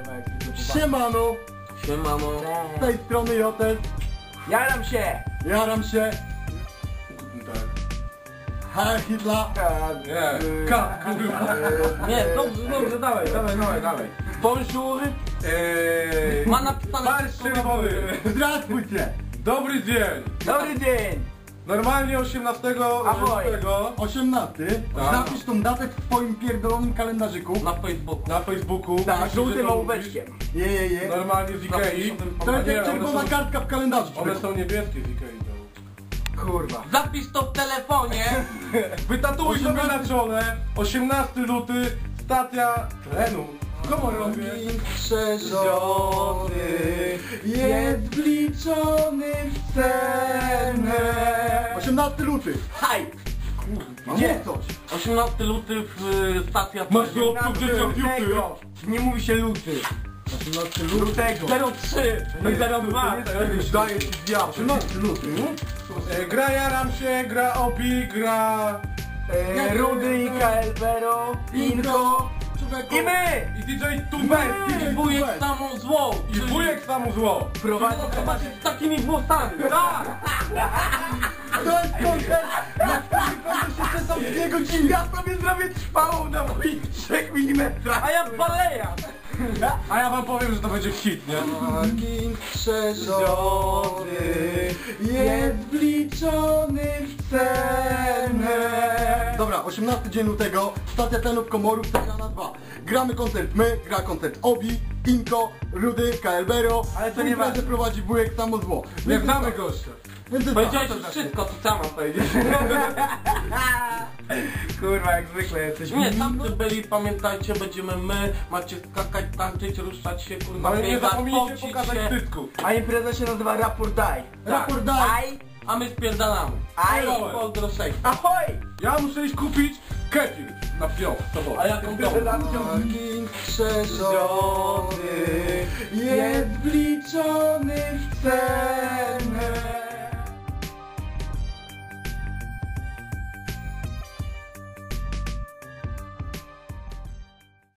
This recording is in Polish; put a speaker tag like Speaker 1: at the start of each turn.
Speaker 1: Siemano!
Speaker 2: Siemano.
Speaker 1: Z tej strony Jotes.
Speaker 3: Jaram się!
Speaker 1: Jaram się. Heil Hitler.
Speaker 3: Nie, dobrze, dawaj.
Speaker 2: Bonjour. Ma napisane
Speaker 4: Marsz czerwony.
Speaker 1: Здравствуйте.
Speaker 4: Dobry dzień.
Speaker 3: Dobry dzień!
Speaker 4: Normalnie 18
Speaker 3: Ahoj.
Speaker 4: lutego
Speaker 1: 18.
Speaker 4: Tak.
Speaker 1: Napisz tą datę w twoim pierdolonym kalendarzyku.
Speaker 2: na Facebooku.
Speaker 4: na Facebooku.
Speaker 1: Tak,
Speaker 3: Żółtym ołóweczkiem.
Speaker 1: Je.
Speaker 4: Normalnie z Ikei.
Speaker 1: To jest
Speaker 4: Nie,
Speaker 1: jak czerwona kartka w kalendarzu.
Speaker 4: One są niebieskie z Ikei.
Speaker 3: Kurwa.
Speaker 2: Zapisz to w telefonie.
Speaker 4: Wytatuuj sobie na czole. 18 luty. Stacja trenu. Komorowie.
Speaker 1: Przeżony jest wliczony w cenę. 18 luty.
Speaker 3: Haj!
Speaker 1: Gdzie coś?
Speaker 2: 18 luty w stacja
Speaker 4: Masz
Speaker 2: trenu.
Speaker 4: do gdzie są piłki?
Speaker 3: Nie mówi się luty.
Speaker 1: 18
Speaker 3: Lutego.
Speaker 2: 03.
Speaker 3: Nie 02.
Speaker 4: Daję ci diabł.
Speaker 1: 18 luty.
Speaker 4: Gra Jaram się, gra Obi, gra...
Speaker 3: Rudy, Ikael, Bero, Inko i my!
Speaker 4: I DJ Tubek.
Speaker 2: I wujek samą złą.
Speaker 4: I wujek samo zło.
Speaker 3: Prowadzi
Speaker 2: Zobaczyć z takimi włosami. Tak.
Speaker 1: To jest koncert, na którym koncert jeszcze są 2 godziny.
Speaker 3: Ja sobie zrobię trwałą na moich 3 mm.
Speaker 2: A ja baleja.
Speaker 4: A ja wam powiem, że to będzie hit, nie?
Speaker 1: Parking przeżony jest wliczony w cenę. Dobra, 18 dzień lutego, stacja Tenów Komorów, Tegrana 2. Gramy koncert my, gra koncert Obi, Inko, Rudy, KLBero.
Speaker 3: Ale to nie
Speaker 1: imprezę
Speaker 3: ważne.
Speaker 1: prowadzi wujek samo zło.
Speaker 4: Nie znamy gościa.
Speaker 1: Więc jest
Speaker 2: Powiedziałeś
Speaker 1: tak.
Speaker 2: już wszystko, co sama powiedzieć.
Speaker 3: Kurwa, jak zwykle jesteś.
Speaker 2: Nie, tamty byli, pamiętajcie, będziemy my, macie skakać, tańczyć, ruszać się, kurwa,
Speaker 4: Ale nie
Speaker 2: biegać,
Speaker 4: zapomnijcie
Speaker 2: pocić
Speaker 4: pokazać
Speaker 2: się.
Speaker 4: cycków.
Speaker 3: A impreza się nazywa Raport Daj.
Speaker 1: Raport Daj.
Speaker 3: Aj!
Speaker 2: A my spierdalamy.
Speaker 3: Aj!
Speaker 2: Pozdro 6.
Speaker 3: Ahoj!
Speaker 4: Ja muszę iść kupić kefir na wsią.
Speaker 2: A jaką domu?
Speaker 1: Parking przeżony jest wliczony w cenę.